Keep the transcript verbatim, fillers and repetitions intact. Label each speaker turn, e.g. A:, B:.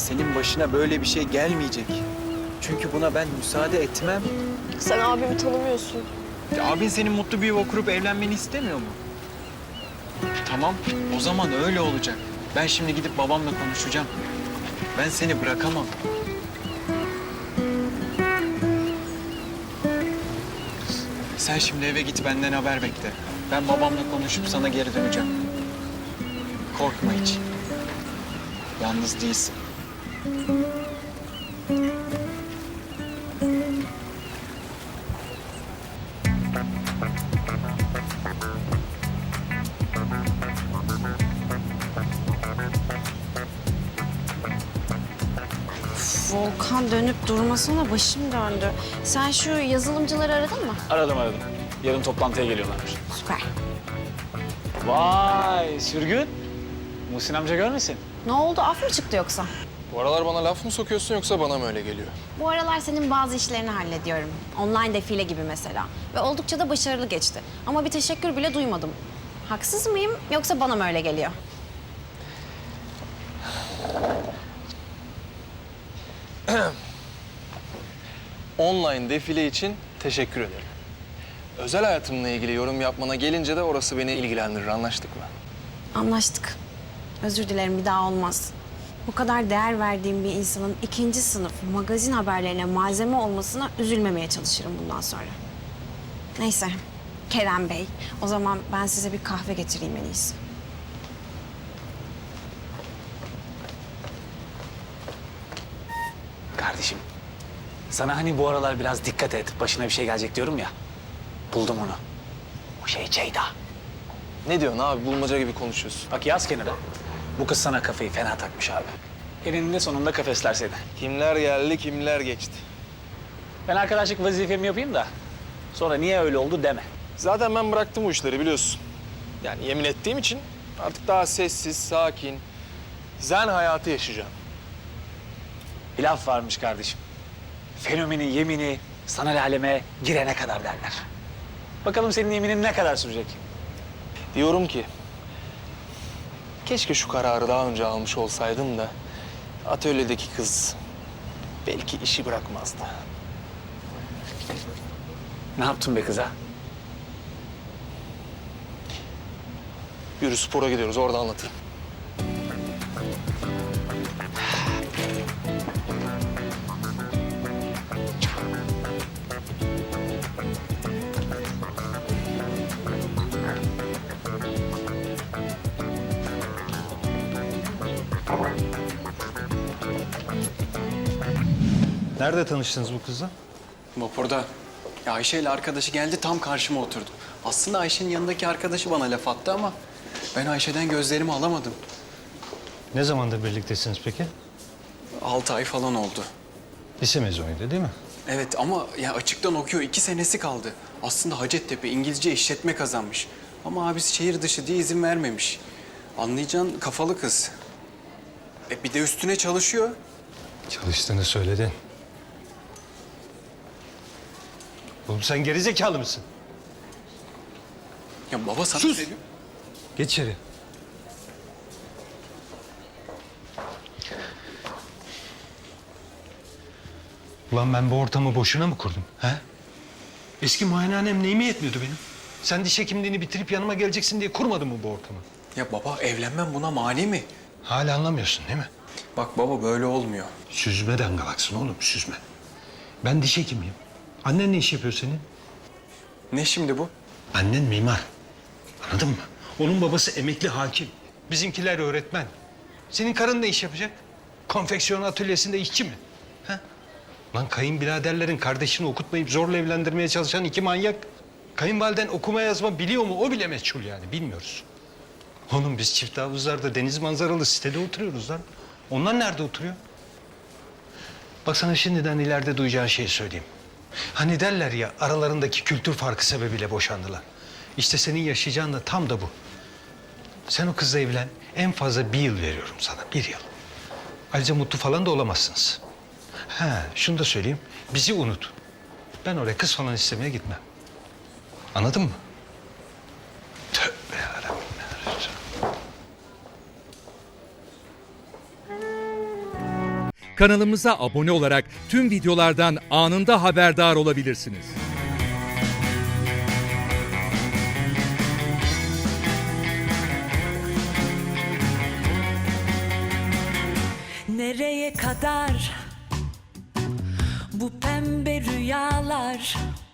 A: senin başına böyle bir şey gelmeyecek. Çünkü buna ben müsaade etmem.
B: Sen abimi tanımıyorsun.
A: Ya abin senin mutlu bir yuva kurup evlenmeni istemiyor mu? Tamam, o zaman öyle olacak. Ben şimdi gidip babamla konuşacağım. Ben seni bırakamam. Sen şimdi eve git, benden haber bekle. Ben babamla konuşup sana geri döneceğim. Korkma hiç. Yalnız değilsin.
C: Volkan dönüp durmasına başım döndü. Sen şu yazılımcıları aradın mı?
D: Aradım aradım. Yarın toplantıya geliyorlarmış.
C: Süper.
D: Vay sürgün. Muhsin amca görmesin.
C: Ne oldu? Af mı çıktı yoksa?
E: Bu aralar bana laf mı sokuyorsun yoksa bana mı öyle geliyor?
C: Bu aralar senin bazı işlerini hallediyorum. Online defile gibi mesela. Ve oldukça da başarılı geçti. Ama bir teşekkür bile duymadım. Haksız mıyım yoksa bana mı öyle geliyor?
E: Online defile için teşekkür ederim. Özel hayatımla ilgili yorum yapmana gelince de orası beni ilgilendirir. Anlaştık mı?
C: Anlaştık. Özür dilerim, bir daha olmaz. Bu kadar değer verdiğim bir insanın ikinci sınıf magazin haberlerine malzeme olmasına üzülmemeye çalışırım bundan sonra. Neyse, Kerem Bey, o zaman ben size bir kahve getireyim en iyisi.
D: Kardeşim, sana hani bu aralar biraz dikkat et, başına bir şey gelecek diyorum ya. Buldum onu. O şey Ceyda.
E: Ne diyorsun abi? Bulmaca gibi konuşuyorsun.
D: Bak yaz kenara. Bu kız sana kafayı fena takmış abi. Eninde sonunda kafesler seni.
E: Kimler geldi, kimler geçti.
D: Ben arkadaşlık vazifemi yapayım da sonra niye öyle oldu deme.
E: Zaten ben bıraktım bu işleri biliyorsun. Yani yemin ettiğim için artık daha sessiz, sakin, zen hayatı yaşayacağım.
D: Bir laf varmış kardeşim. Fenomenin yemini sanal aleme girene kadar derler. Bakalım senin yeminin ne kadar sürecek?
E: Diyorum ki, keşke şu kararı daha önce almış olsaydım da atölyedeki kız belki işi bırakmazdı.
D: Ne yaptın be kıza?
E: Yürü spora gidiyoruz, orada anlatayım.
F: Nerede tanıştınız bu kızla?
A: Vapurda. Ya Ayşe ile arkadaşı geldi, tam karşıma oturdu. Aslında Ayşe'nin yanındaki arkadaşı bana laf attı ama ben Ayşe'den gözlerimi alamadım.
F: Ne zamandır birliktesiniz peki?
A: Altı ay falan oldu.
F: Lise mezunuydu değil mi?
A: Evet ama ya açıktan okuyor, iki senesi kaldı. Aslında Hacettepe İngilizce işletme kazanmış. Ama abisi şehir dışı diye izin vermemiş. Anlayacağın kafalı kız. E bir de üstüne çalışıyor.
F: Çalıştığını söyledin. Oğlum sen gerizekalı mısın?
A: Ya baba sana
F: Sus!
A: söylüyorum.
F: Geç içeri. Ulan ben bu ortamı boşuna mı kurdum? He? Eski muayenehanem neyime yetmiyordu benim? Sen diş hekimliğini bitirip yanıma geleceksin diye kurmadın mı bu ortamı?
A: Ya baba evlenmem buna mani mi?
F: Hala anlamıyorsun değil mi?
A: Bak baba böyle olmuyor.
F: Süzme dangalaksın oğlum, süzme. Ben diş hekimiyim. Annen ne iş yapıyor senin?
A: Ne şimdi bu?
F: Annen mimar. Anladın mı? Onun babası emekli hakim. Bizimkiler öğretmen. Senin karın ne iş yapacak? Konfeksiyon atölyesinde işçi mi? Ha? Lan kayınbiraderlerin kardeşini okutmayıp zorla evlendirmeye çalışan iki manyak. Kayınvaliden okuma yazma biliyor mu? O bile meçhul yani, bilmiyoruz. Oğlum biz çift havuzlarda deniz manzaralı sitede oturuyoruz lan. Onlar nerede oturuyor? Bak sana şimdiden ileride duyacağın şeyi söyleyeyim. Hani derler ya, aralarındaki kültür farkı sebebiyle boşandılar. İşte senin yaşayacağın da tam da bu. Sen o kızla evlen, en fazla bir yıl veriyorum sana, bir yıl. Ayrıca mutlu falan da olamazsınız. Ha, şunu da söyleyeyim, bizi unut. Ben oraya kız falan istemeye gitmem. Anladın mı? Tövbe yarabbim.
G: kanalımıza abone olarak tüm videolardan anında haberdar olabilirsiniz.
H: Nereye kadar bu pembe rüyalar?